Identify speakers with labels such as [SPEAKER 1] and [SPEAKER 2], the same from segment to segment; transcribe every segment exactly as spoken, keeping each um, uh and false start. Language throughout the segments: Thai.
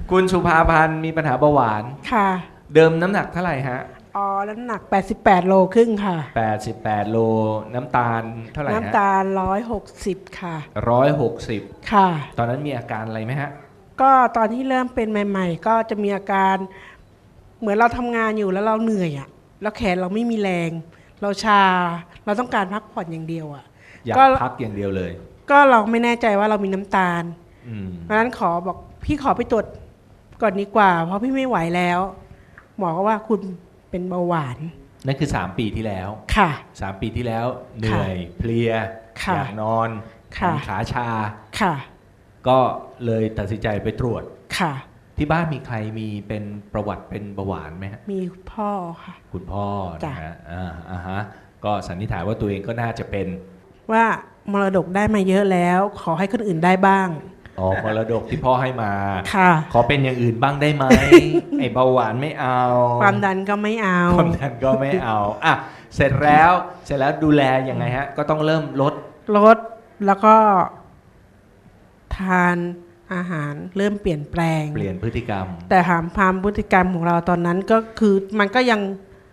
[SPEAKER 1] คุณสุภาพันธ์มีปัญหาเบาหวาน
[SPEAKER 2] ค่ะ
[SPEAKER 1] เดิมน้ำหนักเท่าไหร่ฮะ
[SPEAKER 2] อ๋อน้ำหนักแปดสิบแปดโลครึ่งค่ะ
[SPEAKER 1] แปดสิบแปดโลน้ำตาลเท่าไหร่ฮะ
[SPEAKER 2] น้ำตาลร้อยหกสิบค่ะ
[SPEAKER 1] ร้อยหกสิบ
[SPEAKER 2] ค่ะ
[SPEAKER 1] ตอนนั้นมีอาการอะไรไหมฮะ
[SPEAKER 2] ก็ตอนที่เริ่มเป็นใหม่ ๆ ก็จะมีอาการเหมือนเราทำงานอยู่แล้วเราเหนื่อยอ่ะแล้วแขนเราไม่มีแรงเราชาเราต้องการพักผ่อนอย่างเดียวอ่ะ
[SPEAKER 1] อยากพักอย่างเดียวเลย
[SPEAKER 2] ก็เราไม่แน่ใจว่าเรามีน้ำตาล
[SPEAKER 1] ม
[SPEAKER 2] เพราะฉะนั้นขอบอกพี่ขอไปตรวจก่อนดีกว่าเพราะพี่ไม่ไหวแล้วหมอก็ว่าคุณเป็นเบาหวาน
[SPEAKER 1] นั่นคือสามปีที่แล้ว
[SPEAKER 2] ค่ะ
[SPEAKER 1] สามปีที่แล้วเหนื่อยเพลียอยากนอนขาชา
[SPEAKER 2] ค่ะ
[SPEAKER 1] ก็เลยตัดสินใจไปตรวจ
[SPEAKER 2] ค่ะ
[SPEAKER 1] ที่บ้านมีใครมีเป็นประวัติเป็นเบาหวานไหมฮะ
[SPEAKER 2] มีพ่อค่ะ
[SPEAKER 1] คุณพ่อนะฮะอ่าอ่าฮะก็สันนิษฐานว่าตัวเองก็น่าจะเป็น
[SPEAKER 2] ว่ามรดกได้มาเยอะแล้วขอให้คนอื่นได้บ้าง
[SPEAKER 1] อ๋อมรดกที่พ่อให้มา
[SPEAKER 2] ค่ะ
[SPEAKER 1] ขอเป็นอย่างอื่นบ้างได้ไหม ไอ้เบาหวานไม่เอา
[SPEAKER 2] ความดันก็ไม่เอา
[SPEAKER 1] ความดันก็ไม่เอาอ่ะเสร็จแล้วเสร็จแล้วดูแลยังไงฮะก็ต้องเริ่มลด
[SPEAKER 2] ลดแล้วก็ทานอาหารเริ่มเปลี่ยนแปลง
[SPEAKER 1] เปลี่ยนพฤติกรรม
[SPEAKER 2] แต่หามความพฤติกรรมของเราตอนนั้นก็คือมันก็ยัง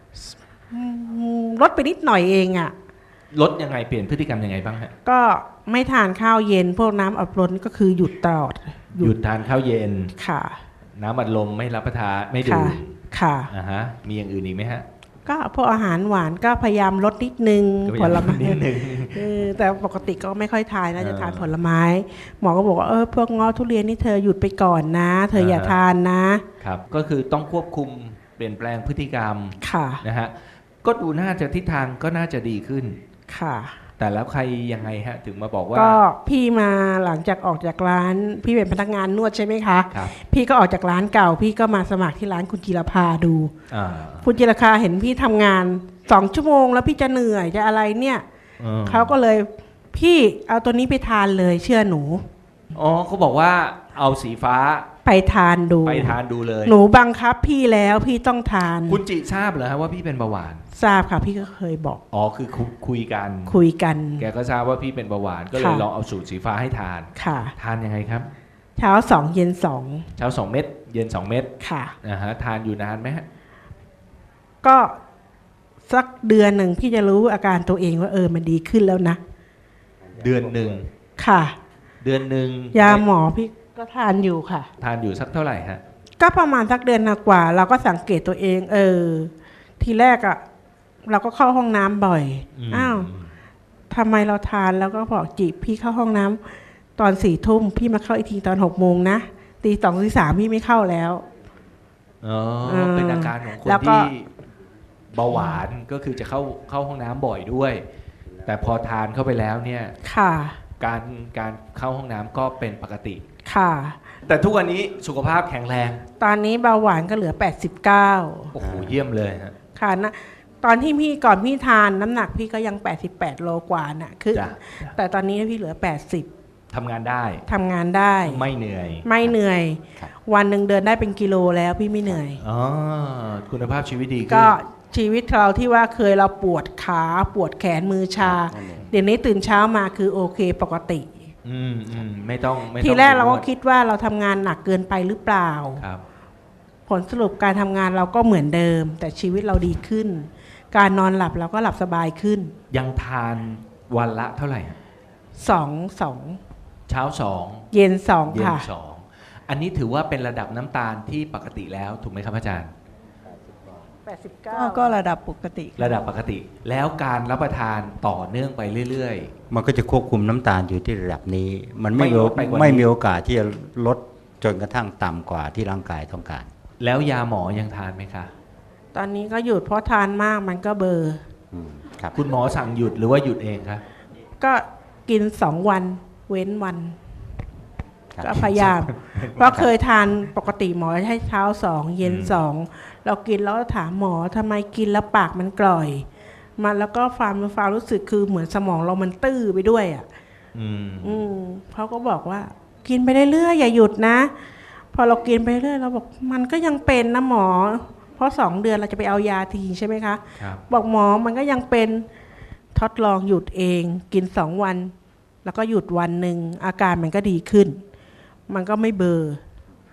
[SPEAKER 2] ลดไปนิดหน่อยเองอะ
[SPEAKER 1] ลดยังไงเปลี่ยนพฤติกรรมยังไงบ้างฮะ
[SPEAKER 2] ก็ไม่ทานข้าวเย็นพวกน้ำอัดลมก็คือหยุดตลอด
[SPEAKER 1] หยุดทานข้าวเย็น
[SPEAKER 2] ค่ะ
[SPEAKER 1] น้ำอัดลมไม่รับประทานไม่ดื่ม
[SPEAKER 2] ค่ะ
[SPEAKER 1] อ่าฮะมีอย่างอื่นอีกไหมฮะ
[SPEAKER 2] ก็พวกอาหารหวานก็พยายามลดนิดนึงผลไม้
[SPEAKER 1] นิดนึง
[SPEAKER 2] แต่ปกติก็ไม่ค่อยทานนะจะทานผลไม้หมอก็บอกว่าเออพวกง้อทุเรียนนี่เธอหยุดไปก่อนนะเธออย่าทานนะครับ
[SPEAKER 1] ก็คือต้องควบคุมเปลี่ยนแปลงพฤติกรรม
[SPEAKER 2] ค่ะ
[SPEAKER 1] นะฮะก็ดูน่าจะทิศทางก็น่าจะดีขึ้น
[SPEAKER 2] ค่ะ
[SPEAKER 1] แต่แล้วใครยังไงฮะถึงมาบอกว่า
[SPEAKER 2] ก็พี่มาหลังจากออกจากร้านพี่เป็นพนักงานนวดใช่ไหมคะ
[SPEAKER 1] ครับ
[SPEAKER 2] พี่ก็ออกจากร้านเก่าพี่ก็มาสมัครที่ร้านคุณจิรภาดูคุณจิรภาเห็นพี่ทำงานสองชั่วโมงแล้วพี่จะเหนื่อยจะอะไรเนี่ยเขาก็เลยพี่เอาตัวนี้ไปทานเลยเชื่อหนู
[SPEAKER 1] อ๋อเขาบอกว่าเอาสีฟ้า
[SPEAKER 2] ไปทานดู
[SPEAKER 1] ไปทานดูเลย
[SPEAKER 2] หนูบังคับพี่แล้วพี่ต้องทาน
[SPEAKER 1] คุณจิทราบเหรอฮะว่าพี่เป็นเบาหวาน
[SPEAKER 2] ทราบค่ะพี่ก็เคยบอก
[SPEAKER 1] อ๋อคือคุยกัน
[SPEAKER 2] คุยกัน
[SPEAKER 1] แกก็ทราบว่าพี่เป็นเบาหวานก็เลยลองเอาสูตรสีฟ้าให้ทาน
[SPEAKER 2] ค่ะ
[SPEAKER 1] ทานยังไงครับ
[SPEAKER 2] เช้าสองเย็นสอง
[SPEAKER 1] เช้าสองเม็ดเย็นสองเม็ด
[SPEAKER 2] ค่ะ
[SPEAKER 1] นะฮะทานอยู่นานไหมฮะ
[SPEAKER 2] ก็สักเดือนหนึ่งพี่จะรู้อาการตัวเองว่าเออมันดีขึ้นแล้วนะ
[SPEAKER 1] เดือนหนึ่ง
[SPEAKER 2] ค่ะ
[SPEAKER 1] เดือนหนึ่ง
[SPEAKER 2] ยาหมอพี่ก็ทานอยู่ค่ะ
[SPEAKER 1] ทานอยู่สักเท่าไหร่ฮะ
[SPEAKER 2] ก็ประมาณสักเดือนกว่าเราก็สังเกตตัวเองเออทีแรกอะเราก็เข้าห้องน้ำบ่อยอ้าวทำไมเราทานแล้วก็บอกจีบพี่เข้าห้องน้ำตอนสี่ทุ่มพี่มาเข้าอีกทีตอนหกโมงนะตีสองตีสามพี่ไม่เข้าแล้ว
[SPEAKER 1] อ๋อเป็นอาการของคนที่เบาหวานก็คือจะเข้าเข้าห้องน้ำบ่อยด้วยแต่พอทานเข้าไปแล้วเนี่ย
[SPEAKER 2] ค่ะ
[SPEAKER 1] การการเข้าห้องน้ำก็เป็นปกติ
[SPEAKER 2] ค่ะ
[SPEAKER 1] แต่ทุกวันนี้สุขภาพแข็งแรง
[SPEAKER 2] ตอนนี้เบาหวานก็เหลือแปดสิบเก้า
[SPEAKER 1] โอ้โหเยี่ยมเลยฮะ
[SPEAKER 2] ค่ะนะตอนที่พี่ก่อนพี่ทานน้ำหนักพี่ก็ยังแปดสิบแปดโลกว่าน่ะคือแต่ตอนนี้พี่เหลือแปดสิบ
[SPEAKER 1] ทำงานได้
[SPEAKER 2] ทำงานได้
[SPEAKER 1] ไม่เหนื่อย
[SPEAKER 2] ไม่เหนื่อยวันหนึ่งเดินได้เป็นกิโลแล้วพี่ไม่เหนื่อย
[SPEAKER 1] อ๋อคุณภาพชีวิตดีขึ้น
[SPEAKER 2] ก็ชีวิตเราที่ว่าเคยเราปวดขาปวดแขนมือชาเดี๋ยวนี้ตื่นเช้ามาคือโอเคปกติ
[SPEAKER 1] อืมอืมไม่ต้องไม่ต้อง
[SPEAKER 2] ทีแรกเราก็คิดว่าเราทำงานหนักเกินไปหรือเปล่า
[SPEAKER 1] ครับ
[SPEAKER 2] ผลสรุปการทำงานเราก็เหมือนเดิมแต่ชีวิตเราดีขึ้นการนอนหลับเราก็หลับสบายขึ้น
[SPEAKER 1] ยังทานวันละเท่าไหร่
[SPEAKER 2] สองสอง
[SPEAKER 1] เช้าสอง
[SPEAKER 2] เย็นสอง
[SPEAKER 1] เย็น
[SPEAKER 2] ค่ะ
[SPEAKER 1] สองอันนี้ถือว่าเป็นระดับน้ำตาลที่ปกติแล้วถูกไหมครับอาจารย์
[SPEAKER 2] แปดสิบเก้า
[SPEAKER 3] ก็ระดับปกติ
[SPEAKER 1] ระดับปกติแล้วการรับประทานต่อเนื่องไปเรื่อย
[SPEAKER 4] ๆมันก็จะควบคุมน้ำตาลอยู่ที่ระดับนี้มันไม่ไม่มีโอกาสที่จะลดจนกระทั่งต่ำกว่าที่ร่างกายต้องการ
[SPEAKER 1] แล้วยาหมอยังทานไหมคะ
[SPEAKER 2] ตอนนี้ก็หยุดเพราะทานมากมันก็เบอร์
[SPEAKER 1] ครับคุณหมอสั่งหยุดหรือว่าหยุดเองคะ
[SPEAKER 2] ก็กินสองวันเว้นวันก็พยายามเพราะเคยทานปกติหมอให้เช้าสองเย็นสองเรากินแล้วถามหมอทำไมกินแล้วปากมันกร่อยมันแล้วก็ความความรู้สึกคือเหมือนสมองเรามันตื้อไปด้วยอ่ะ
[SPEAKER 1] อืม
[SPEAKER 2] อืมเขาก็บอกว่ากินไปเรื่อยๆอย่าหยุดนะพอเรากินไปเรื่อยเราบอกมันก็ยังเป็นนะหมอเพราะสองเดือนเราจะไปเอายาทีใช่ไหมคะบอกหมอมันก็ยังเป็นทดลองหยุดเองกินสองวันแล้วก็หยุดวันหนึ่งอาการมันก็ดีขึ้นมันก็ไม่เบอร์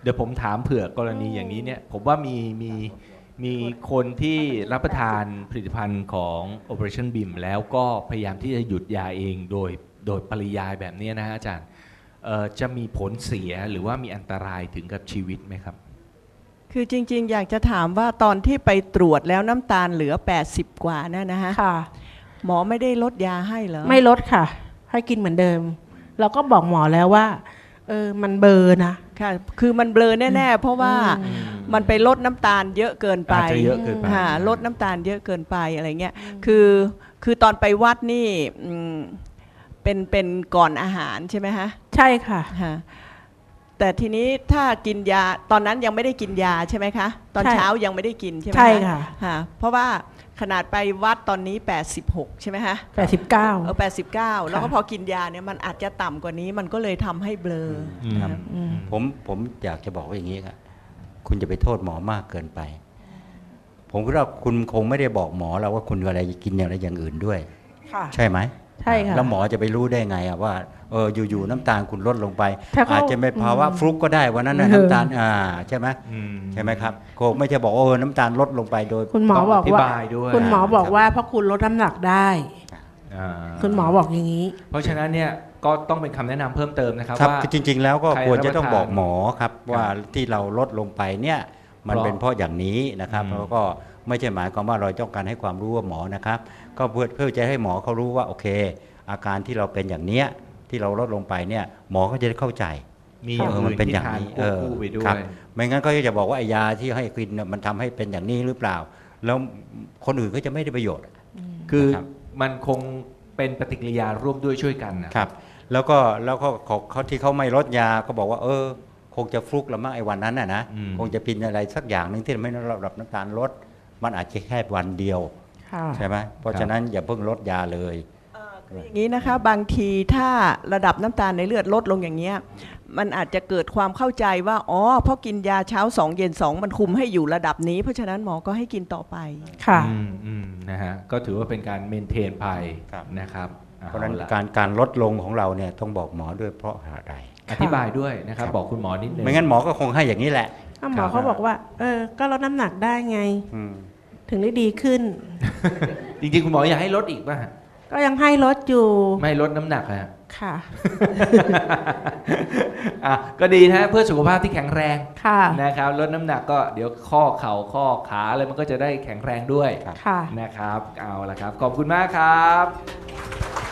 [SPEAKER 1] เดี๋ยวผมถามเผื่อกรณีอย่างนี้เนี่ยผมว่ามีมีมีคนที่รับประทานผลิตภัณฑ์ของ Operationบี ไอ เอ็ม แล้วก็พยายามที่จะหยุดยาเองโดยโดยปริยายแบบนี้นะฮะอาจารย์เอ่อจะมีผลเสียหรือว่ามีอันตรายถึงกับชีวิตไหมครับ
[SPEAKER 3] คือจริงๆ อยากจะถามว่าตอนที่ไปตรวจแล้วน้ำตาลเหลือแปดสิบกว่านั่นนะฮะ
[SPEAKER 2] ค่ะ
[SPEAKER 3] หมอไม่ได้ลดยาให้เหรอ
[SPEAKER 2] ไม่ลดค่ะ ให้กินเหมือนเดิม เราก็บอกหมอแล้วว่า เออมันเบลอร์นะ
[SPEAKER 3] ค่ะ คือมันเบลอแน่ๆ เพราะว่า
[SPEAKER 2] อืม
[SPEAKER 3] มันไปลดน้ำตาลเยอะเกินไป
[SPEAKER 1] อาจจะเยอะเกินไป
[SPEAKER 3] ค่ะลดน้ำตาลเยอะเกินไปอะไรเงี้ย คือคือตอนไปวัดนี่อืมเป็นเป็นก่อนอาหารใช่ไหมฮะ
[SPEAKER 2] ใช่ค่ะ
[SPEAKER 3] ฮะแต่ทีนี้ถ้ากินยาตอนนั้นยังไม่ได้กินยาใช่ไหมคะ ตอน
[SPEAKER 2] ใช่
[SPEAKER 3] เช้ายังไม่ได้กินใช่ไหม
[SPEAKER 2] ใช่ค่ะ
[SPEAKER 3] ค่ะเพราะว่าขนาดไปวัดตอนนี้แปดสิบหกใช่ไหมฮะ
[SPEAKER 2] แปดสิบเก้า
[SPEAKER 3] เออแปดสิบเก้าแล้วก็พอกินยาเนี่ยมันอาจจะต่ำกว่านี้มันก็เลยทำให้เบลอ
[SPEAKER 1] อืม
[SPEAKER 3] ครับ
[SPEAKER 4] ผมผมอยากจะบอกว่าอย่างนี้ครับคุณจะไปโทษหมอมากเกินไป ผมคิดว่าคุณคงไม่ได้บอกหมอเราว่าคุณอะไรกินอะไรอย่างอื่นด้วย
[SPEAKER 2] ค่ะ
[SPEAKER 4] ใช่ไหม
[SPEAKER 2] ใช่ค่ะ
[SPEAKER 4] แล้วหมอจะไปรู้ได้ไงอะว่าเอออยู่ๆน้ำตาลคุณลดลงไป
[SPEAKER 2] ถ้าเขา
[SPEAKER 4] อาจจะเป็นภาวะ
[SPEAKER 2] อืม
[SPEAKER 4] ฟลุกก็ได้วันนั้นนะ
[SPEAKER 2] เออ
[SPEAKER 4] น้ำตาลอ่าใช่ไหม
[SPEAKER 1] อืม
[SPEAKER 4] ใช่ไหมครับคงไม่ใช่บอกว่าเออน้ำตาลลดลงไปโดย
[SPEAKER 2] คุณหมอบอก
[SPEAKER 1] ธิ
[SPEAKER 2] ว่า
[SPEAKER 1] บายด้วย
[SPEAKER 2] คุณหมอบอกว่าเพราะคุณลดน้ำหนักได้
[SPEAKER 1] อ่า
[SPEAKER 2] คุณหมอบอกอย่างนี้
[SPEAKER 1] เพราะฉะนั้นเนี่ยก็ต้องเป็นคำแนะนำเพิ่มเติมนะครับ
[SPEAKER 4] ครับ
[SPEAKER 1] ว่า
[SPEAKER 4] คือจริง ๆ แล้วก็
[SPEAKER 1] ใคร
[SPEAKER 4] ควรจะ
[SPEAKER 1] รับประ
[SPEAKER 4] ต้อง
[SPEAKER 1] ทาน
[SPEAKER 4] บอกหมอครับว่าที่เราลดลงไปเนี่ยมัน
[SPEAKER 1] เพราะ
[SPEAKER 4] เป็นเพราะอย่างนี้นะครับ
[SPEAKER 1] อืม
[SPEAKER 4] แล้วก็ไม่ใช่หมายความว่าเราต้องการให้ความรู้ว่าหมอนะครับ ก็เพื่อเพื่อจะให้หมอเขารู้ว่าโอเค อาการที่เราเป็นอย่างเนี้ยที่เราลดลงไปเนี่ยหมอก็จะได้เข้าใจ
[SPEAKER 1] มีอย่าง
[SPEAKER 4] เออ
[SPEAKER 1] อื่
[SPEAKER 4] มัน
[SPEAKER 1] น
[SPEAKER 4] เป็น
[SPEAKER 1] ที่
[SPEAKER 4] อย่าง
[SPEAKER 1] ทาน
[SPEAKER 4] นี้
[SPEAKER 1] ควบคู่ไปด้ว
[SPEAKER 4] ครับ
[SPEAKER 1] ย
[SPEAKER 4] ไม่งั้นก็จะบอกว่าไอ้ยาที่ให้กินเนี่ยมันทำให้เป็นอย่างนี้หรือเปล่า แล้วคนอื่นก็จะไม่ได้ประโยชน์
[SPEAKER 1] คือ
[SPEAKER 4] ครับ
[SPEAKER 1] มันคงเป็นปฏิกิริยาร่วมด้วยช่วยกันนะครับ
[SPEAKER 4] แล้วก็แล้วก็เขาเขาที่เขาไม่ลดยาก็บอกว่า เออ คงจะฟลุกละมั้งไอ้วันนั้นน่ะนะ
[SPEAKER 1] อืม
[SPEAKER 4] คงจะกินอะไรสักอย่างหนึ่งที่ไม่ระดับน้ำตาลลด มันอาจจะแค่วันเดียว
[SPEAKER 2] ค่ะ
[SPEAKER 4] ใช่ไหมเพราะฉะนั้นอย่าเพิ่งลดยาเลย
[SPEAKER 3] เอ่อคืออย่างนี้นะคะบางทีถ้าระดับน้ำตาลในเลือดลดลงอย่างเงี้ยมันอาจจะเกิดความเข้าใจว่าอ๋อเพราะกินยาเช้าสองเย็นสองมันคุมให้อยู่ระดับนี้ เพราะฉะนั้นหมอก็ให้กินต่อไป
[SPEAKER 2] ค่ะ
[SPEAKER 1] อืมอืมนะฮะก็ถือว่าเป็นการเมนเทนภัย
[SPEAKER 4] ครับ
[SPEAKER 1] นะครับ
[SPEAKER 4] เพราะฉะนั้น
[SPEAKER 1] อล่
[SPEAKER 4] การการลดลงของเราเนี่ยต้องบอกหมอด้วยเพราะอะไร
[SPEAKER 1] อธิบายด้วยนะครับ บอกคุณหมอนิดนึง
[SPEAKER 4] ไม่งั้นหมอก็คงให้อย่างนี้แหละ
[SPEAKER 2] ถ้าหมอเขาบอกว่า เออ ก็ลดน้ำหนักได้ไง
[SPEAKER 4] อืม
[SPEAKER 2] ถึงได้ดีขึ้น
[SPEAKER 1] จริงๆ คุณหมออยากให้ลดอีกป่ะฮะ
[SPEAKER 2] ก็ยังให้ลดอยู่
[SPEAKER 1] ไม่ลดน้ำหนักอะฮะ
[SPEAKER 2] ค่ะ
[SPEAKER 1] อ่ะก็ดีนะฮะเพื่อสุขภาพที่แข็งแรง
[SPEAKER 2] ค่ะ
[SPEAKER 1] นะครับลดน้ำหนักก็เดี๋ยวข้อเข่าข้อขาอะไรมันก็จะได้แข็งแรงด้วย
[SPEAKER 2] ค่ะ
[SPEAKER 1] นะครับเอาละครับ ขอบคุณมากครับ